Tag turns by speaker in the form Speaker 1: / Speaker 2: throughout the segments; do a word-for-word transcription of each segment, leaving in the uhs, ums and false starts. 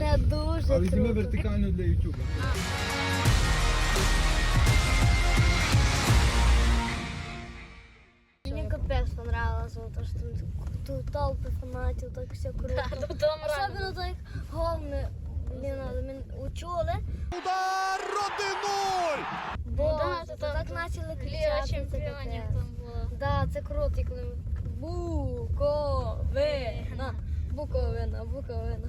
Speaker 1: Це дуже
Speaker 2: А візьми
Speaker 1: круто.
Speaker 2: вертикально для ютуба.
Speaker 1: Мені капець понравилось, то що тут, тут толпи фанатів, так все круто.
Speaker 3: Да, тут там
Speaker 1: Особливо так головне, блін, ми учули,
Speaker 4: Удар один-нуль!
Speaker 1: бо
Speaker 3: Ну да,
Speaker 1: то
Speaker 3: то там
Speaker 1: так почали
Speaker 3: Ліга
Speaker 1: кричати. це
Speaker 3: чемпіонів
Speaker 1: капець.
Speaker 3: там була.
Speaker 1: Да, це круто, і коли ми Буковина, Буковина, Буковина.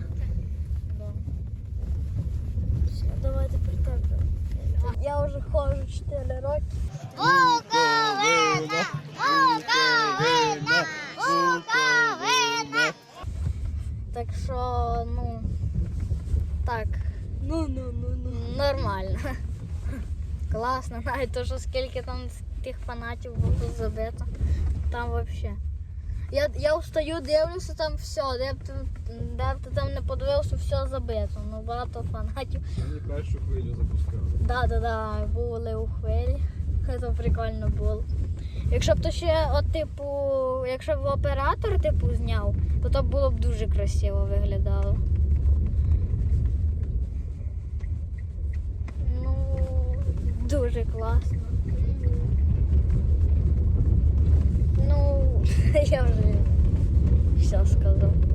Speaker 1: Все, давайте притепимо. Я вже ходжу чотири роки. Буковина! Буковина! Буковина! Так що, ну, так, ну, ну, ну, ну. Нормально. Класно, навіть то, що скільки там тих фанатів було забито. Там взагалі. Я, я встаю, дивлюся, там все, де б ти, де б ти там не подивився, все забито. Ну, багато фанатів.
Speaker 2: Мені першу хвилю запускали.
Speaker 1: Да, да, да, були у хвилі. Це прикольно було. Якщо б то ще, от, типу, якщо б оператор типу зняв, то то було б дуже красиво виглядало. Ну, дуже класно. Ну, я вже все сказав.